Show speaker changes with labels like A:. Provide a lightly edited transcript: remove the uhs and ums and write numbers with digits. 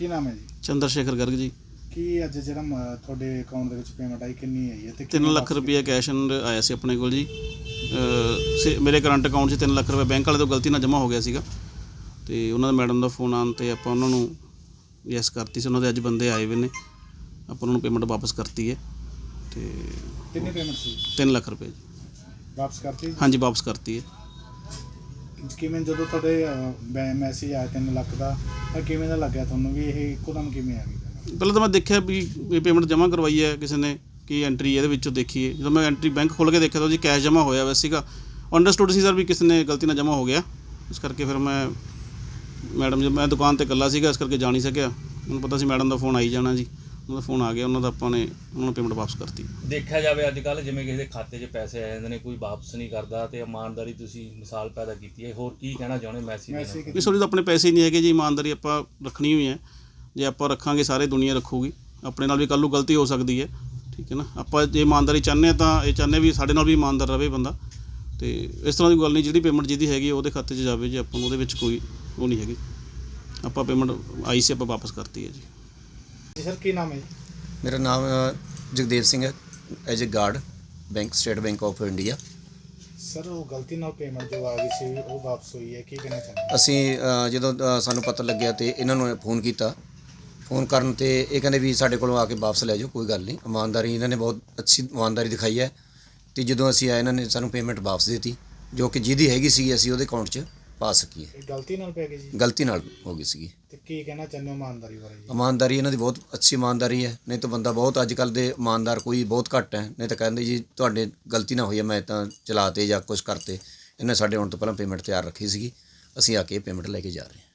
A: ਕੀ ਨਾਮ ਹੈ ਜੀ?
B: चंद्र शेखर गर्ग जी।
A: ਕੀ ਅੱਜ ਜਿਹੜਾ ਤੁਹਾਡੇ ਅਕਾਊਂਟ ਦੇ ਵਿੱਚ ਪੇਮੈਂਟ ਆਈ ਕਿੰਨੀ ਆਈ ਹੈ ਤੇ
B: 3 ਲੱਖ ਰੁਪਏ ਕੈਸ਼ ਆਇਆ ਸੀ ਆਪਣੇ ਕੋਲ ਜੀ। ਮੇਰੇ ਕਰੰਟ ਅਕਾਊਂਟ 'ਚ 3 ਲੱਖ ਰੁਪਏ ਬੈਂਕ ਵਾਲੇ ਤੋਂ ਗਲਤੀ ਨਾਲ ਜਮ੍ਹਾਂ ਹੋ ਗਿਆ ਸੀਗਾ ਅਤੇ ਉਹਨਾਂ ਦਾ ਮੈਡਮ ਦਾ ਫੋਨ ਆਉਣ 'ਤੇ ਆਪਾਂ ਉਹਨਾਂ ਨੂੰ ਯੈਸ ਕਰਤੀ ਸੀ। ਉਹਨਾਂ ਦੇ ਅੱਜ ਬੰਦੇ ਆਏ ਹੋਏ ਨੇ, ਆਪਾਂ ਉਹਨਾਂ ਨੂੰ ਪੇਮੈਂਟ ਵਾਪਸ ਕਰਤੀ ਹੈ। ਅਤੇ
A: ਕਿੰਨੀ ਪੇਮੈਂਟ ਸੀ?
B: 3 ਲੱਖ ਰੁਪਏ ਜੀ
A: ਵਾਪਸ ਕਰਤੀ?
B: ਹਾਂਜੀ, ਵਾਪਸ ਕਰਤੀ ਹੈ।
A: ਕਿਵੇਂ ਜਦੋਂ ਤੁਹਾਡੇ ਮੈਸੇਜ ਆਇਆ 3 ਲੱਖ ਦਾ ਤਾਂ ਕਿਵੇਂ ਦਾ ਲੱਗਿਆ ਤੁਹਾਨੂੰ ਵੀ ਇਹ ਇੱਕੋਦਮ ਕਿਵੇਂ ਆ ਗਈ?
B: ਪਹਿਲਾਂ ਤਾਂ ਮੈਂ ਦੇਖਿਆ ਵੀ ਇਹ ਪੇਮੈਂਟ ਜਮ੍ਹਾਂ ਕਰਵਾਈ ਹੈ ਕਿਸੇ ਨੇ, ਕੀ ਐਂਟਰੀ ਇਹਦੇ ਵਿੱਚੋਂ ਦੇਖੀਏ। ਜਦੋਂ ਮੈਂ ਐਂਟਰੀ ਬੈਂਕ ਖੋਲ੍ਹ ਕੇ ਦੇਖਿਆ ਤਾਂ ਜੀ ਕੈਸ਼ ਜਮ੍ਹਾਂ ਹੋਇਆ ਹੋਇਆ ਸੀਗਾ। ਅੰਡਰਸਟੂਡ ਸੀ ਸਰ ਵੀ ਕਿਸੇ ਨੇ ਗਲਤੀ ਨਾਲ ਜਮ੍ਹਾਂ ਹੋ ਗਿਆ, ਇਸ ਕਰਕੇ ਫਿਰ ਮੈਂ ਮੈਂ ਦੁਕਾਨ 'ਤੇ ਇਕੱਲਾ ਸੀਗਾ, ਇਸ ਕਰਕੇ ਜਾ ਨਹੀਂ ਸਕਿਆ। ਮੈਨੂੰ ਪਤਾ ਸੀ ਮੈਡਮ ਦਾ ਫੋਨ ਆਈ ਜਾਣਾ ਜੀ, ਉਹਨਾਂ ਦਾ ਫੋਨ ਆ ਗਿਆ, ਉਹਨਾਂ ਦਾ ਆਪਾਂ ਨੇ ਉਹਨਾਂ ਨੂੰ ਪੇਮੈਂਟ ਵਾਪਸ ਕਰਤੀ।
C: ਦੇਖਿਆ ਜਾਵੇ ਅੱਜ ਕੱਲ੍ਹ ਜਿਵੇਂ ਕਿਸੇ ਦੇ ਖਾਤੇ 'ਚ ਪੈਸੇ ਆ ਜਾਂਦੇ ਨੇ, ਕੋਈ ਵਾਪਸ ਨਹੀਂ ਕਰਦਾ, ਅਤੇ ਇਮਾਨਦਾਰੀ ਤੁਸੀਂ ਮਿਸਾਲ ਪੈਦਾ ਕੀਤੀ ਹੈ। ਹੋਰ ਕੀ ਕਹਿਣਾ ਚਾਹੁੰਦੇ ਮੈਸੇਜ?
B: ਨਹੀਂ ਸੋਰੀ, ਤਾਂ ਆਪਣੇ ਪੈਸੇ ਹੀ ਨਹੀਂ ਹੈਗੇ ਜੀ, ਇਮਾਨਦਾਰੀ ਆਪਾਂ ਰੱਖਣੀ ਹੋਈ ਹੈ। ਜੇ ਆਪਾਂ ਰੱਖਾਂਗੇ ਸਾਰੇ ਦੁਨੀਆ ਰੱਖੂਗੀ। ਆਪਣੇ ਨਾਲ ਵੀ ਕੱਲ੍ਹ ਨੂੰ ਗਲਤੀ ਹੋ ਸਕਦੀ ਹੈ, ਠੀਕ ਹੈ ਨਾ। ਆਪਾਂ ਜੇ ਇਮਾਨਦਾਰੀ ਚਾਹੁੰਦੇ ਹਾਂ ਤਾਂ ਇਹ ਚਾਹੁੰਦੇ ਵੀ ਸਾਡੇ ਨਾਲ ਵੀ ਇਮਾਨਦਾਰ ਰਹੇ ਬੰਦਾ, ਅਤੇ ਇਸ ਤਰ੍ਹਾਂ ਦੀ ਗੱਲ ਨਹੀਂ। ਜਿਹੜੀ ਪੇਮੈਂਟ ਜਿਹਦੀ ਹੈਗੀ ਉਹਦੇ ਖਾਤੇ 'ਚ ਜਾਵੇ, ਜੇ ਆਪਾਂ ਨੂੰ ਉਹਦੇ ਵਿੱਚ ਕੋਈ ਉਹ ਨਹੀਂ ਹੈਗੀ। ਆਪਾਂ ਪੇਮੈਂਟ ਆਈ ਸੀ, ਆਪਾਂ ਵਾਪਸ ਕਰਤੀ ਹੈ ਜੀ।
A: ਸਰ ਕੀ ਨਾਮ ਹੈ ਜੀ?
D: ਮੇਰਾ ਨਾਮ ਜਗਦੇਵ ਸਿੰਘ ਹੈ, as a guard bank, State Bank of India.
A: Sir ਉਹ ਗਲਤੀ ਨਾਲ ਪੇਮੈਂਟ ਜੋ ਆ ਗਈ ਸੀ ਉਹ ਵਾਪਸ ਹੋਈ ਹੈ, ਕੀ ਕਹਿਣਾ ਚਾਹੁੰਦੇ?
D: ਅਸੀਂ ਜਦੋਂ ਸਾਨੂੰ ਪਤਾ ਲੱਗਿਆ ਤੇ ਇਹਨਾਂ ਨੂੰ ਫੋਨ ਕੀਤਾ। ਫੋਨ ਕਰਨ 'ਤੇ ਇਹ ਕਹਿੰਦੇ ਵੀ ਸਾਡੇ ਕੋਲੋਂ ਆ ਕੇ ਵਾਪਸ ਲੈ ਜਾਓ, ਕੋਈ ਗੱਲ ਨਹੀਂ। ਇਮਾਨਦਾਰੀ ਇਹਨਾਂ ਨੇ ਬਹੁਤ ਅੱਛੀ ਇਮਾਨਦਾਰੀ ਦਿਖਾਈ ਹੈ, ਅਤੇ ਜਦੋਂ ਅਸੀਂ ਆਏ ਇਹਨਾਂ ਨੇ ਸਾਨੂੰ ਪੇਮੈਂਟ ਵਾਪਸ ਦੇ ਦਿੱਤੀ, ਜੋ ਕਿ ਜਿਹਦੀ ਹੈਗੀ ਸੀ ਅਸੀਂ ਉਹਦੇ ਅਕਾਊਂਟ 'ਚ ਪਾ ਸਕੀਏ।
A: ਇਹ ਗਲਤੀ ਨਾਲ ਪੈ ਗਈ ਜੀ?
D: ਗਲਤੀ ਨਾਲ ਹੋ ਗਈ ਸੀਗੀ।
A: ਤੇ ਕੀ ਕਹਿਣਾ ਚਾਹੁੰਦੇ ਹੋ ਇਮਾਨਦਾਰੀ ਬਾਰੇ ਜੀ?
D: ਇਮਾਨਦਾਰੀ ਇਹਨਾਂ ਦੀ ਬਹੁਤ ਅੱਛੀ ਇਮਾਨਦਾਰੀ ਹੈ, ਨਹੀਂ ਤਾਂ ਬੰਦਾ ਬਹੁਤ ਅੱਜ ਕੱਲ੍ਹ ਦੇ ਇਮਾਨਦਾਰ ਕੋਈ ਬਹੁਤ ਘੱਟ ਹੈ। ਨਹੀਂ ਤਾਂ ਕਹਿੰਦੇ ਜੀ ਤੁਹਾਡੇ ਗਲਤੀ ਨਾ ਹੋਈ ਹੈ, ਮੈਂ ਤਾਂ ਚਲਾਤੇ ਜਾਂ ਕੁਛ ਕਰਤੇ। ਇਹਨੇ ਸਾਡੇ ਆਉਣ ਤੋਂ ਪਹਿਲਾਂ ਪੇਮੈਂਟ ਤਿਆਰ ਰੱਖੀ ਸੀਗੀ, ਅਸੀਂ ਆ ਕੇ ਪੇਮੈਂਟ ਲੈ ਕੇ ਜਾ ਰਹੇ ਹਾਂ।